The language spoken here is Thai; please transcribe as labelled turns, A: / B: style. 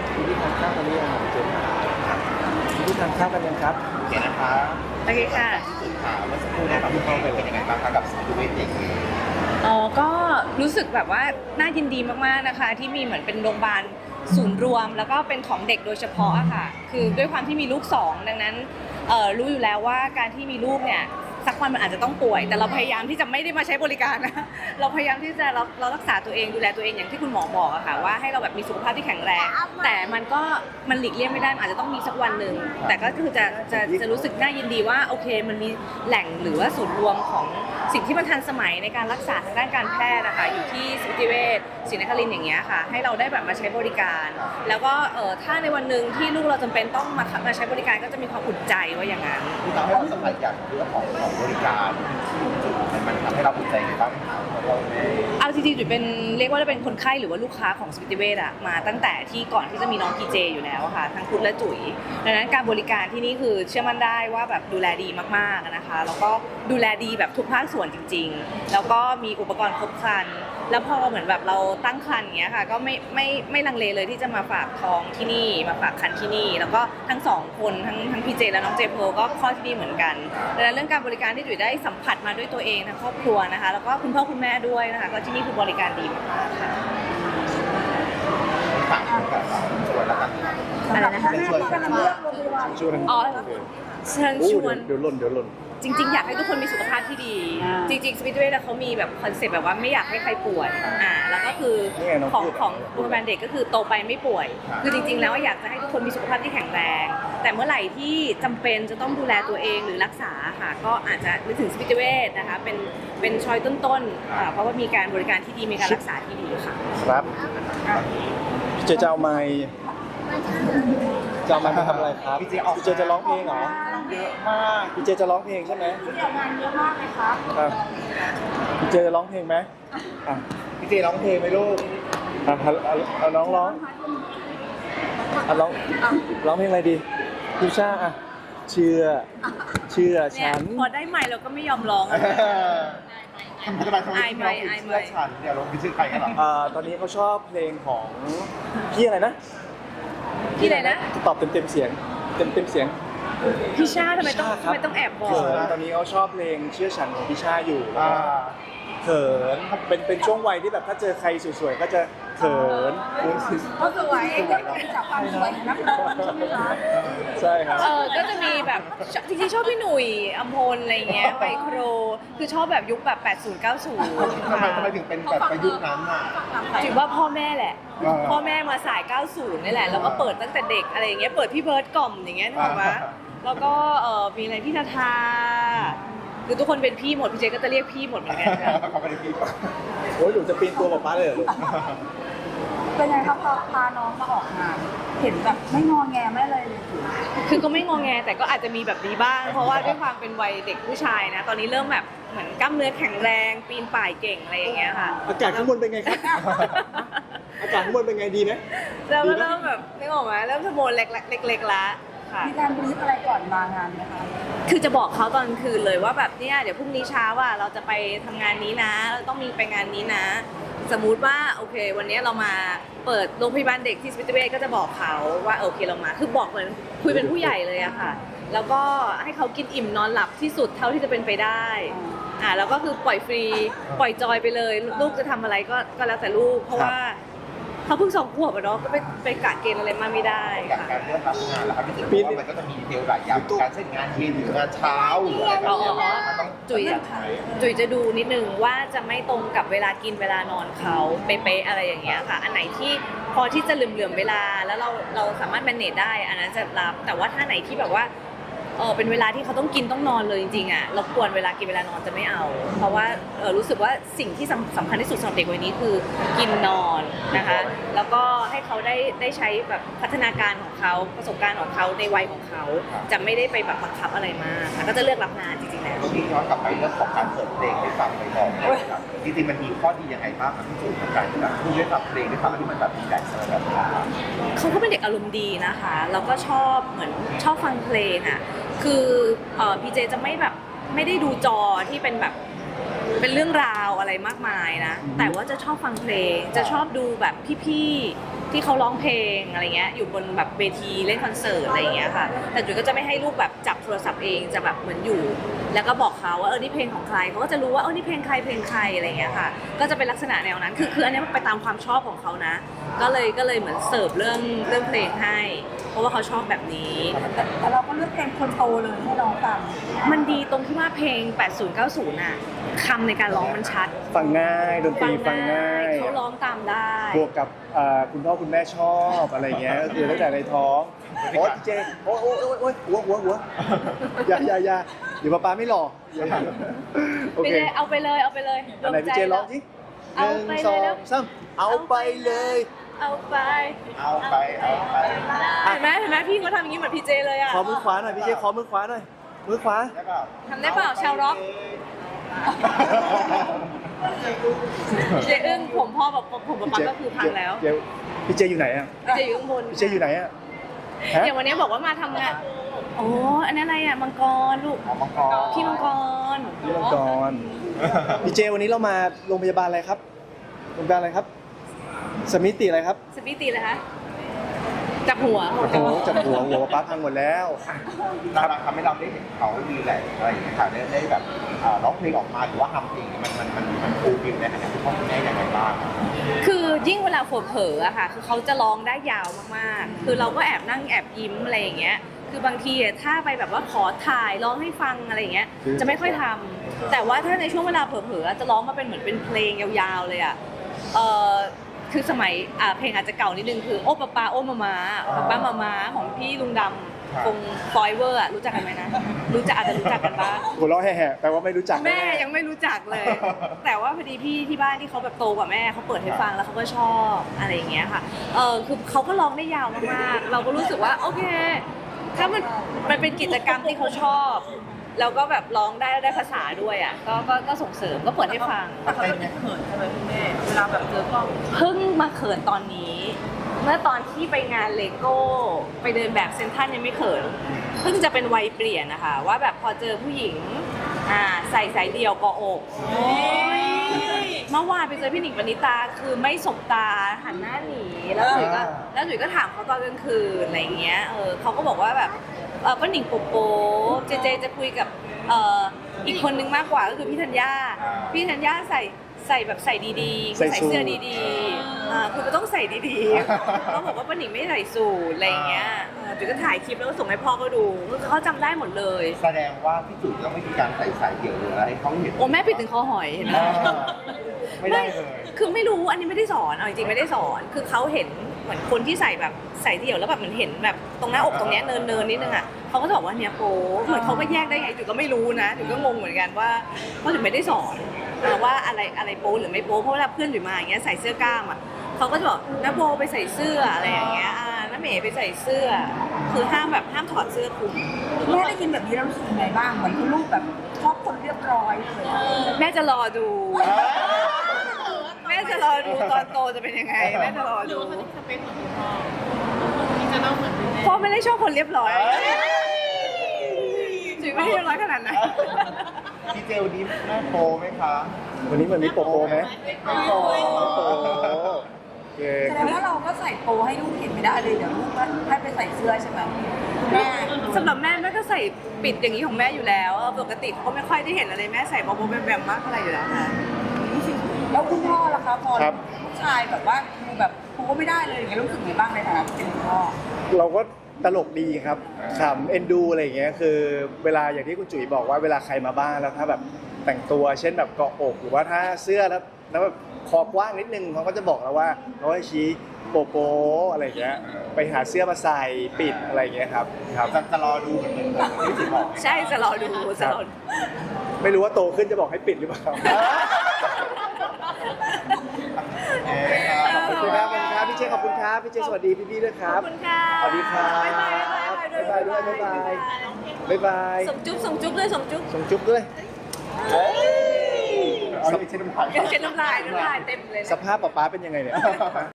A: พี่ทานข้าวกันหรือยังเจนพี่ทานข้าวกันยังครับ
B: โอเคนะคะ
C: โอเคค่ะ
B: ที่สุดค่ะเมื่อสักครู่นะครับพี่เข้าไปเป็นยังไงบ้างคะกับสตูดิโอเด็ก
C: อ๋อก็รู้สึกแบบว่าน่ายินดีมากๆนะคะที่มีเหมือนเป็นโรงพยาบาลศูนย์รวมแล้วก็เป็นของเด็กโดยเฉพาะอะค่ะคือด้วยความที่มีลูกสองดังนั้นรู้อยู่แล้วว่าการที่มีลูกเนี่ยสักวันมันอาจจะต้องป่วยแต่เราพยายามที่จะไม่ได้มาใช้บริการนะเราพยายามที่จะเรารักษาตัวเองดูแลตัวเองอย่างที่คุณหมอบอกอะค่ะว่าให้เราแบบมีสุขภาพที่แข็งแรงแต่มันหลีกเลี่ยงไม่ได้อาจจะต้องมีสักวันหนึ่งแต่ก็คือจะรู้สึกน่ายินดีว่าโอเคมันมีแหล่งหรือว่าศูนย์รวมของสิ่งที่มันทันสมัยในการรักษาทางด้านการแพทย์นะคะอยู่ที่สมิติเวชศรีนครินทร์อย่างเงี้ยค่ะให้เราได้แบบมาใช้บริการแล้วก็ถ้าในวันหนึ่งที่ลูกเราจำเป็นต้องมาใช้บริการก็จะมีความอุ่นใจว่าอย่างนั้น
B: ที่ทำให้เราสบายใจเรื่องของบริการมันทำให้เราอุ่นใจไงบ้าง
C: เอาจริงๆจุ๋ยเป็นเรียกว่าเป็นคนไข้หรือว่าลูกค้าของสมิติเวชอะมาตั้งแต่ที่ก่อนที่จะมีน้องพีเจอยู่แล้วค่ะทั้งพุทธและจุ๋ยดังนั้นการบริการที่นี่คือเชื่อมั่นได้ว่าแบบดูแลดีมากๆนะคะแล้วก็ดูแลดีแบบทุกภาคส่วนจริงๆแล้วก็มีอุปกรณ์ครบครันแล้วพอเหมือนแบบเราตั้งครรภ์อย่างเงี้ยค่ะก็ไม่ลังเลเลยที่จะมาฝากท้องที่นี่มาฝากครรภ์ที่นี่แล้วก็ทั้งสองคนทั้งพีเจและน้องเจโพก็คลอดที่นี่เหมือนกันดังนั้นเรื่องการบริการที่จุ๋ยได้สัมผัสมาด้วยตัวเองทั้งครอบครัวนะคะแล้วก็คุณพ่อคุณแม่ด้วยนะคะก็ที่นี่คือบริการดีมากๆค่ะ
B: ฝากกับชวนแล้วกัน
C: อะไรนะคะ
A: ชวน
C: อ๋อเชิญชวน
A: เดี๋ยวหล่น
C: จริงๆอยากให้ทุกคนมีสุขภาพที่ดีจริงๆสปิริตเวทเขามีแบบคอนเซ็ปต์แบบว่าไม่อยากให้ใครป่วยแล้วก็คือของโรงพยาบาลเด็กก็คือโตไปไม่ป่วยคือจริงๆแล้วอยากจะให้ทุกคนมีสุขภาพที่แข็งแรงแต่เมื่อไหร่ที่จำเป็นจะต้องดูแลตัวเองหรือรักษาค่ะก็อาจจะนึกถึงสปิริตเวทนะคะเป็นช้อยต้นๆเพราะว่ามีการบริการที่ดีมีการรักษาที่ดีค่ะ
A: ครับพี่เจจะเอาไมค์ไปทำอะไรครับพี่เจจะร้องเพลงเหรอ
B: เยอะมาก
A: พี่เจจะร้องเพลงใช่ไหม
C: พี่เจงานเยอะมากเลยครับ
A: พี่เจจะร้องเพลงไหม
B: พี่เจร้องเพลงไหมลูก
A: เอาน้องร้องร้องเพลงอะไรดีพี่ชาเชื่อฉัน
C: พอได้ใหม่เราก็ไม่ยอมร้อง
B: ทำไมเราเชื่อฉันเดี๋ยวเราไปชื่อใครกันหรอ
A: ตอนนี้เขาชอบเพลงของพี่อะไรนะตอบเต็มเสียง
C: พี่ชาทำไมต้องแอบบอก
A: ตอนนี้เขาชอบเพลงเชื่อฉันของพี่ชาอยู่เขินเป็นช่วงวัยที่แบบถ้าเจอใครสวยๆก็จะเขิน
C: เขาสวยจากความสวยนักร้องใช่ไหมคะ
A: ใช่ครับ
C: ก็จะมีแบบจริงๆชอบพี่หนุ่ยอัมพลอะไรเงี้ยไมโครคือชอบแบบยุคแบบ80 90
B: ทำไมถึงเป็นแบบประยุกต์นั้นอ่ะ
C: ถือว่าพ่อแม่แหละพ่อแม่มาสาย90นี่แหละแล้วก็เปิดตั้งแต่เด็กอะไรอย่างเงี้ยเปิดพี่เบิร์ดกล่อมอย่างเงี้ยถูกไหมแล้วก็มีอะไรพี่ทาคือทุกคนเป็นพี่หมดพี่เจก็จะเรียกพี่หมดเหมือนกัน
B: เขาไม่ได้พี่
A: โอ้ยหนูจะปีนตัวป๊าเลยเหรอลูก
D: เป็นไงครับพาน้องมาออกงานเห็นแบบไม่งอแงไม่เลย
C: คือก็ไม่งอแงแต่ก็อาจจะมีแบบนี้บ้างเพราะว่าด้วยความเป็นวัยเด็กผู้ชายนะตอนนี้เริ่มแบบเหมือนกล้ามเนื้อแข็งแรงปีนป่ายเก่งอะไรอย่างเงี้ยค่ะ
A: อากาศข้างบนเป็นไงครับอากาศข้างบนเป็นไงดีไหม
C: เราก็เริ่มแบบนึกออกไหมเริ่มสมบูรณ์เล็กๆละ
D: มีการบรีฟอะไรก่อนมางานไหมคะ
C: คือจะบอกเขาตอนคืนเลยว่าแบบเนี่ยเดี๋ยวพรุ่งนี้เช้าว่าเราจะไปทำงานนี้นะเราต้องมีไปงานนี้นะสมมุติว่าโอเควันนี้เรามาเปิดโรงพยาบาลเด็กที่สปิริตเวชก็จะบอกเขาว่าโอเคเรามาคือบอกเหมือนคุยเป็นผู้ใหญ่เลยอะค่ะแล้วก็ให้เขากินอิ่มนอนหลับที่สุดเท่าที่จะเป็นไปได้แล้วก็คือปล่อยฟรีปล่อยจอยไปเลยลูกจะทำอะไรก็แล้วแต่ลูกเพราะว่าเขาเพิ่ง2 ขวบอะเนาะก็ไปกะเกณฑ์อะไรมาไม่ได้
B: ค่ะการเลือกรับงานแล้วครับพี่จุ๋ยมันก็จะมีดีเทลหลายอย่างการเช่นงานเย็นหรืองานเช้าหรืออะไรแบบนี้
C: จุ๋ยจะดูนิดนึงว่าจะไม่ตรงกับเวลากินเวลานอนเขาเป๊ะๆอะไรอย่างเงี้ยค่ะอันไหนที่พอที่จะเหลื่อมเวลาแล้วเราสามารถแมเนจได้อันนั้นจะรับแต่ว่าถ้าไหนที่แบบว่าเป็นเวลาที่เขาต้องกินต้องนอนเลยจริงๆอ่ะรบกวนเวลากินเวลานอนจะไม่เอาเพราะว่ารู้สึกว่าสิ่งที่สำคัญที่สุดสำหรับเด็กวัยนี้คือกินนอนนะคะแล้วก็ให้เขาได้ใช้แบบพัฒนาการของเขาประสบการณ์ของเขาในวัยของเขาจะไม่ได้ไปแบบบังคับอะไรมากค่ะก็จะเลือกรับงานจริงๆแล้ว
B: พี่ย้อนกลับไปเรื่องของการเปิดเพลงให้ฟังไปบอกนะครับจริงๆมันมีข้อดียังไงบ้างครับพี่จุ๋ยกับการที่แบบได้ฟังเพลงได้ฟังที่มันแบบมีแต่สระดับ
C: เขาก็เป็นเด็กอารมณ์ดีนะคะแล้วก็ชอบเหมือนชอบฟังเพลงอ่ะคือพีเจจะไม่ได้ดูจอที่เป็นแบบเป็นเรื่องราวอะไรมากมายนะแต่ว่าจะชอบฟังเพลงจะชอบดูแบบพี่ๆที่เขาร้องเพลงอะไรเงี้ยอยู่บนแบบเวทีเล่นคอนเสิร์ตอะไรอย่างเงี้ยค่ะแต่จุ๋ยก็จะไม่ให้ลูกแบบจับโทรศัพท์เองจะแบบเหมือนอยู่ แล้วก็บอกเขาว่านี่เพลงของใครเขาก็จะรู้ว่านี่เพลงใครอะไรเงี้ยค่ะก็จะเป็นลักษณะแนวนั้นคืออันนี้มันไปตามความชอบของเขานะก็เลยเหมือนเสิร์ฟเรื่องเพลงให้เพราะว่าเขาชอบแบบนี้
D: แต่เราก็เลือกเพลงคนโตเลยให้น้องฟัง
C: มันดีตรงที่ว่าเพลง 80-90 น่ะคำในการร้องมันชัด
A: ฟังง่ายดนตรีฟังง่าย
C: เขาร้องตามได้
A: บวกกับคุณพ่อคุณแม่ชอบอะไรเงี้ยก็คือตั้งแต่ในท้องโอ๊ยเจโอ๊ยหัวอย่าเดี๋ยวป๊าไม่หล่อโอ
C: ไป
A: เค
C: เลยเอาไปเลย
A: อันไหนพี่เจร้องสิ
C: เอาไป
A: สอ
C: เลย
A: งสามเอาไปเลย
C: เอาไป
B: เอาไป
C: เห็นไหมพี่เขาทำอย่างนี้เหมือนพี่เจเลยอ่ะ
A: ขอมือขวาหน่อยพี่เจขอมือขวาหน่อยมือขวา
B: ได้เปล่า
C: ทำได้เปล่าชาวร็อกเจอึ้งผมพ่อแบบผมป๊าก็คือพังแล้ว
A: เดี๋ยวพี่เจอยู่ไหนอ่ะ
C: พี่เจอยู่ข้างบน
A: พี่เจอยู่ไหนอ่ะฮะ
C: อย่างวันนี้บอกว่ามาทำงานโอ้อันนั้นอะไรอ่ะมังกรลูก
B: เอามังกร
C: พี่มังกร
A: พี่มังกรพี่เจวันนี้เรามาโรงพยาบาลอะไรครับโรงพยาบาลอะไรครับสมิติอะไรครับ
C: สปีตีเลยคะจับหัว
A: โอ้โหจับหัวป๊าพังหมดแล้ว
B: เราทำให้เราได้เห็นเขาดีแหละอะไรอย่างเงี้ยค่ะได้แบบร้องเพลงออกมาหรือว่าทำเพลงมันฟูลฟิลในฐานะคุณพ่อคุณแม่ยังไงบ้าง
C: คือยิ่งเวลาเผลอๆอะค่ะคือเขาจะร้องได้ยาวมากๆคือเราก็แอบนั่งแอบยิ้มอะไรอย่างเงี้ยคือบางทีถ้าไปแบบว่าขอถ่ายร้องให้ฟังอะไรอย่างเงี้ยจะไม่ค่อยทำแต่ว่าถ้าในช่วงเวลาเผลอๆจะร้องมาเป็นเหมือนเป็นเพลงยาวๆเลยอะคือสมัยเพลงอาจจะเก่านิดนึงคือโอ้ป้าป้าโอ้มามาป้ามามาของพี่ลุงดำคงฟอยเวอร์อะรู้จักกันไหมนะอาจจะรู้จักกันบ้าง
A: หัวเราะแห่ๆแปลว่าไม่รู้จัก
C: แม่ยังไม่รู้จักเลย แต่ว่าพอดีพี่ที่บ้านที่เขาแบบโตกว่าแม่เขาเปิดให้ฟังแล้วเขาก็ชอบอะไรอย่างเงี้ยค่ะคือเขาก็ร้องได้ยาวมากๆเราก็รู้สึกว่าโอเคถ้ามันเป็นกิจกรรมที่เขาชอบแล้วก็แบบร้องได้ภาษาด้วยอ่ะก็ส่งเสริมก็เปิดให้ฟัง
D: แต่เขาจะเป็นเขินใช่ไหมพี่เมย์เวลาแบบเจอกล้อง
C: เพิ่งมาเขินตอนนี้ เมื่อตอนที่ไปงานเลโก้ไปเดินแบบเซ็นทรัลยังไม่เขินเพิ่งจะเป็นวัยเปลี่ยนนะคะว่าแบบพอเจอผู้หญิงใส่สายเดี่ยวกออกเมื่อวานไปเจอพี่หนิงปณิตาคือไม่สบตาหันหน้าหนีแล้วจุ๋ยก็ถามเขาตอนกลางคืนอะไรเงี้ยเขาก็บอกว่าแบบป้าหนิงโปโปเจจะคุยกับอีกคนนึงมากกว่าก็คือพี่ธัญญาใส่แบบใส่ดีๆใส่เสื้อดีๆคือมันต้องใส่ดีๆเขาบอกว่าป้าหนิงไม่ใส่สูทอะไรเงี้ยจุ๋ยก็ถ่ายคลิปแล้วก็ส่งให้พ่อเขาดูเขาจำได้หมดเลย
B: แสดงว่าพี่จุ๋ยต้องไม่มีการใส่สายเดี่ยวหรืออะไรให้เขาเห็น
C: โอ้แม่ปิดถึงคอหอยเห็นไหม
B: ไม่ได้เลย
C: คือไม่รู้อันนี้ไม่ได้สอนเอาจริงๆไม่ได้สอนคือเขาเห็นเหมือนคนที่ใส่แบบใส่เดี่ยวแล้วแบบเหมือนเห็นแบบตรงหน้าอกตรงเนี้ยเนินนิดนึงอ่ะเขาก็จะบอกว่าเนี่ยโป๊เหมือนเขาก็แยกได้ไงจุ๋ยก็ไม่รู้นะจุ๋ยก็งงเหมือนกันว่าจุ๋ยไม่ได้สอนว่าอะไรโป๊หรือไม่โป๊เพราะเวลาเพื่อนจุ๋ยมาอย่างเงี้ยใส่เสื้อกล้ามอ่ะเขาก็จะบอกน้าโบไปใส่เสื้ออะไรอย่างเงี้ยน้าเมย์ไปใส่เสื้อคือห้ามถอดเสื้อคลุม
D: แม่ได้ยินแบบนี้แล้วรู้สึกยังไงบ้างเหมือนคุณลูกแบบชอบคนเรียบร้อยเลยอะ
C: แม่จะรอดู แม่จะรอดูตอนโตจะเป็นยังไงแม่จะรอดูพ่อไม่ได้ชอบคนเรียบร้อยจุ๋ยไม่ได้เรียบร้อยขนาดนั้น
B: พี่เจลนี้แม่โปไหมคะ
A: วันนี้เหมือนมีโปโปไหม
B: ไม่โป
A: โปโอเค
D: แสดงว่าเราก็ใส่โปให้ลูกเห็นไม่ได้เลยเดี๋ยวลูกก็ให้ไปใส่เสื้อใช่ไหมแม่
C: สำหรับแม่ก็ใส่ปิดอย่างนี้ของแม่อยู่แล้วปกติเขาไม่ค่อยได้เห็นอะไรแม่ใส่โบแบมมากอะไรอยู่แล้วค่ะ
D: แล้วคุณพ่อล่ะคะพอลูกชายแบบว่าดูแบบครูก็ไม่ได้เลยอย่างเงี้ยรู้สึกไงบ้างในฐานะเป็นคุณพ่อ
A: เราก็ตลกดีครับขำเอ็นดูอะไรอย่างเงี้ยคือเวลาอย่างที่คุณจุ๋ยบอกว่าเวลาใครมาบ้านแล้วถ้าแบบแต่งตัวเช่นแบบเกาะอกหรือว่าถ้าเสื้อแล้วแบบคอกว้างนิดนึงเขาก็จะบอกเราว่าเขาให้ชี้โปโปอะไรอย่างเงี้ยไปหาเสื้อมาใส่ปิดอะไรอย่างเงี้ยครับ
B: จะรอดูเหมือนที่จุ๋ยบอก
C: ใช่จะรอดูจะรอดู
A: ไม่รู้ว่าโตขึ้นจะบอกให้ปิดหรือเปล่าขอบคุณครับพี่เจขอบคุณครับพี่เจสวัสดีพี่ๆด้วยค
C: ข
A: รั
C: อ
A: บบ
C: คุณค่ะ
A: สวัสดีครับ
C: บ๊ายบาย
A: บ๊ายบายด้วยบ๊ายบายบ๊ายบาย
C: ส่งจุ๊บส่งจุ๊บเลยส่งจุ๊บ
A: ส่งจุ๊บด้วย
B: เอาอย่างเช่นน้ำลาย
C: เช็ดน้ำลายเต็มเลย
A: สภาพป๊าเป็นยังไงเนี่ย